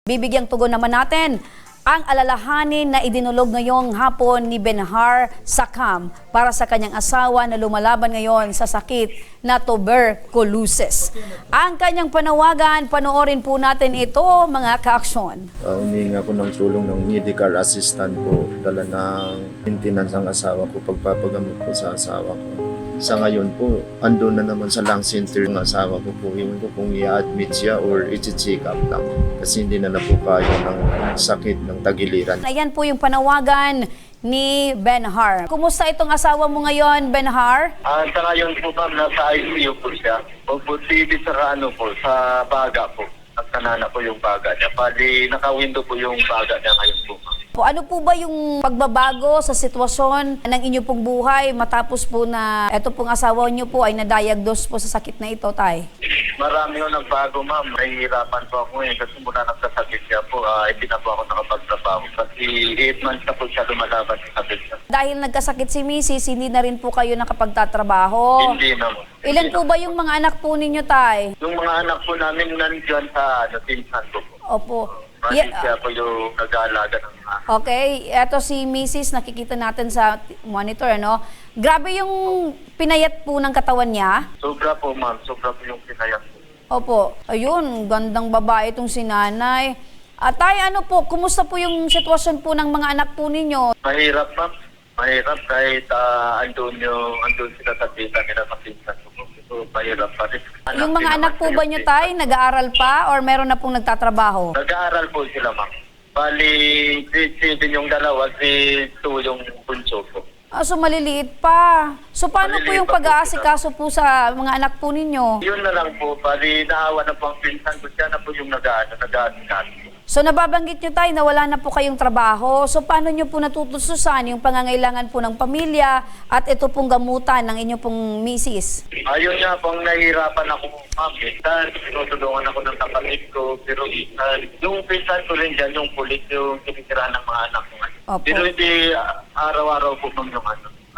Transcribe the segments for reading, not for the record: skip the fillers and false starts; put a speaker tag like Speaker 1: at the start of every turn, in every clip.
Speaker 1: Bibigyang tugon naman natin ang alalahanin na idinulog ngayong hapon ni Benhar Sakam para sa kanyang asawa na lumalaban ngayon sa sakit na tuberculosis. Ang kanyang panawagan, panoorin po natin ito mga ka-aksyon.
Speaker 2: Humingi ako ng tulong ng medical assistant ko, dala ng maintenance ang asawa ko, pagpapagamot ko sa asawa ko. Sa ngayon po, andun na naman sa lung center ng asawa ko po. Iwan ko kung i-admit siya or i-check up lang. Kasi hindi na po kaya ng sakit ng tagiliran.
Speaker 1: Ayan po yung panawagan ni Benhar. Kumusta itong asawa mo ngayon, Benhar?
Speaker 3: Sa ngayon po ma'am, nasa ICU po siya. Positive sa sa baga po. Nagtanana po yung baga niya. Bali, naka-window po yung baga niya ngayon po ma'am.
Speaker 1: Ano po ba yung pagbabago sa sitwasyon ng inyo pong buhay matapos po na ito pong asawa niyo po ay na-diagnose po sa sakit na ito, Tay?
Speaker 3: Marami yung nagbago ma'am. Nahihirapan po ako kasi mula nagkasakit siya po, hindi na po ako nakapagtrabaho. Kasi 8 months na po siya lumalaban sa sakit niya.
Speaker 1: Dahil nagkasakit si Mrs., hindi na rin po kayo nakapagtatrabaho.
Speaker 3: Hindi na mo.
Speaker 1: Ilan po ba yung mga anak po ninyo, Tay?
Speaker 3: Yung mga anak po namin nandiyan sa pinsan ko po.
Speaker 1: Opo.
Speaker 3: Siya po yung nag-aalaga ng mga.
Speaker 1: Okay, eto si Mrs. nakikita natin sa monitor, ano? Grabe yung pinayat po ng katawan niya.
Speaker 3: Sobra po ma'am, sobra po yung pinayang po.
Speaker 1: Opo, ayun, gandang babae itong si nanay. Tay, ano po, kumusta po yung sitwasyon po ng mga anak po ninyo?
Speaker 3: Mahirap ma'am. Mahirap kahit andun sila sa kita nila sa pinsan ko. So, mahirap pa rin.
Speaker 1: Yung mga anak po ba nyo, Tay, nag-aaral pa or meron na pong nagtatrabaho?
Speaker 3: Nag-aaral po sila ma'am. Bali, grade 7 yung dalawa, grade 2 yung bunso po.
Speaker 1: So maliliit pa. So paano po
Speaker 3: Maliliit
Speaker 1: yung
Speaker 3: pa po
Speaker 1: pag-aasikaso po sa mga anak po ninyo?
Speaker 3: Yun na lang po, bali naawa na po ang pinsan ko, siya na po yung nag-aasikaso.
Speaker 1: So nababanggit nyo, Tay, na wala na po kayong trabaho. So paano nyo po natutususan yung pangangailangan po ng pamilya at ito pong gamutan ng inyong pong misis?
Speaker 3: Ayun nga pong nahihirapan ako ma'am. Minsan, tinutulungan ako ng kapatid ko, pero minsan, yung pinsan ko rin dyan, yung pulis, yung tinitirahan ng mga anak ko.
Speaker 1: Opo.
Speaker 3: Pero hindi araw-araw po ma'am yung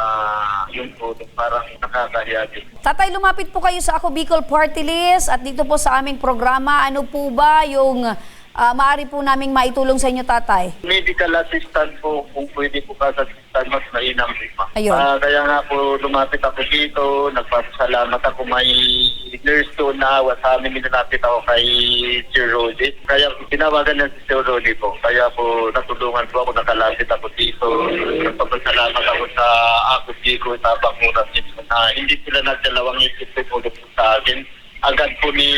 Speaker 3: yun po, parang nakakahiya din.
Speaker 1: Tatay, lumapit po kayo sa Ako Bicol Party List at dito po sa aming programa. Ano po ba yung maaari po naming maitulong sa inyo, Tatay?
Speaker 3: Medical assistant po, kung pwede po ka sa assistant, mas mainam po ma'am.
Speaker 1: Ayun.
Speaker 3: Kaya nga po lumapit ako dito, nagpapasalamat ako, may nurse doon na sa amin, nilapit ako kay Sir Rodi. Kaya tinawagan niya si Sir Rodi po. Kaya po natulungan po ako, nakalapit ako dito. Nagpapasalamat ako sa Ako Bicol, sa Banguras na hindi sila nagdalawang isip po sa akin. Agad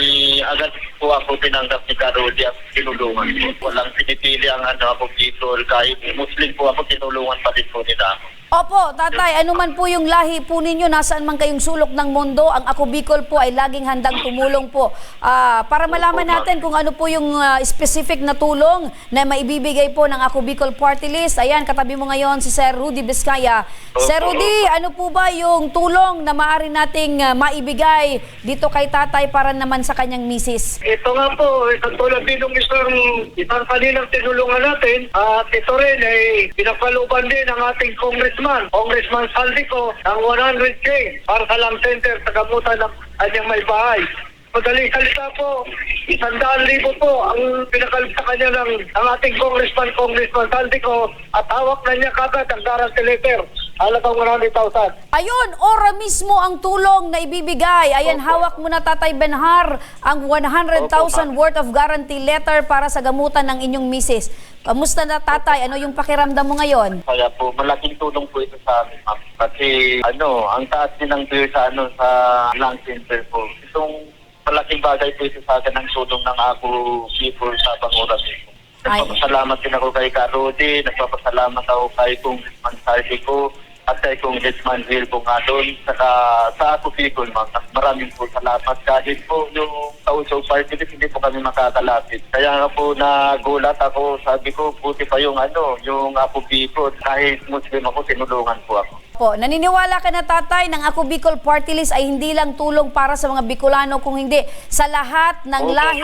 Speaker 3: po ako tinanggap ni Karodi at tinulungan po. Walang pinipili ang ako dito. Kahit Muslim po ako, tinulungan pa din po nila ako.
Speaker 1: Opo, Tatay, ano man po yung lahi po ninyo, nasaan man kayong sulok ng mundo, ang Ako Bicol po ay laging handang tumulong po. Para malaman natin kung ano po yung specific na tulong na maibibigay po ng Ako Bicol Party List. Ayan, katabi mo ngayon si Sir Rudy Vizcaya. Sir Rudy, ano po ba yung tulong na maaari nating maibigay dito kay Tatay para naman sa kanyang misis?
Speaker 4: Ito nga po, katulad din ng isang kaninang tinulungan natin, at ito rin ay pinapalooban din ng ating Congressman Saldico, ng 100K para sa lung center sa gamutan ng kanyang may bahay. Madaling salita po, 100,000 po ang pinakalip sa kanya ng ating Congressman Saldico at hawak na niya kagad ang guarantee letter. Halagang 100,000.
Speaker 1: Ayun, ora mismo ang tulong na ibibigay. Ayan, hawak mo na, Tatay Benhar, ang 100,000 worth of guarantee letter para sa gamutan ng inyong misis. Kamusta na, Tatay? Ano yung pakiramdam mo ngayon?
Speaker 3: Kaya po, malaking tulong po ito sa amin, ma'am. Kasi, ang taas din ng bill sa lung center po. Itong malaking bagay po ito sa akin ng tulong ng Ako Bicol sa Banguras. Nagpapasalamat din ako kay Karodi, nagpapasalamat ako kay Congressman Saldico at kay Congressman Will po nga doon. Saka sa Ako Bicol, ma'am, maraming po salamat. Kahit po yung Kauso Party List, hindi po kami makakalapit. Kaya nga po nagulat ako, sabi ko, buti pa yung yung Ako Bicol. Kahit Muslim ako, tinulungan po ako.
Speaker 1: Po, naniniwala ka na, Tatay, ng Ako Bicol Party List ay hindi lang tulong para sa mga Bicolano, kung hindi sa lahat ng
Speaker 3: Opo,
Speaker 1: lahi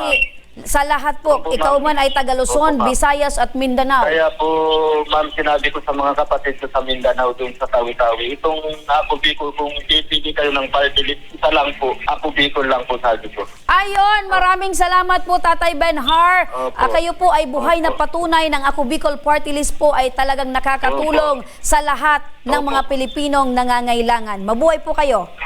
Speaker 1: sa lahat po.
Speaker 3: Opo,
Speaker 1: Ikaw
Speaker 3: ma'am.
Speaker 1: man ay taga Luzon,
Speaker 3: Opo, ma'am.
Speaker 1: Visayas at Mindanao.
Speaker 3: Kaya po, ma'am, sinabi ko sa mga kapatid ko sa Mindanao doon sa Tawi-Tawi, itong Ako Bicol, kung pipili kayo ng party list, isa lang po, Ako Bicol lang po sabi ko.
Speaker 1: Ayon, maraming salamat po Tatay Benhar.
Speaker 3: Opo.
Speaker 1: Kayo po ay buhay na
Speaker 3: Opo.
Speaker 1: patunay ng Ako Bicol Party List po ay talagang nakakatulong sa lahat ng
Speaker 3: Opo.
Speaker 1: mga Pilipinong nangangailangan. Mabuhay po kayo.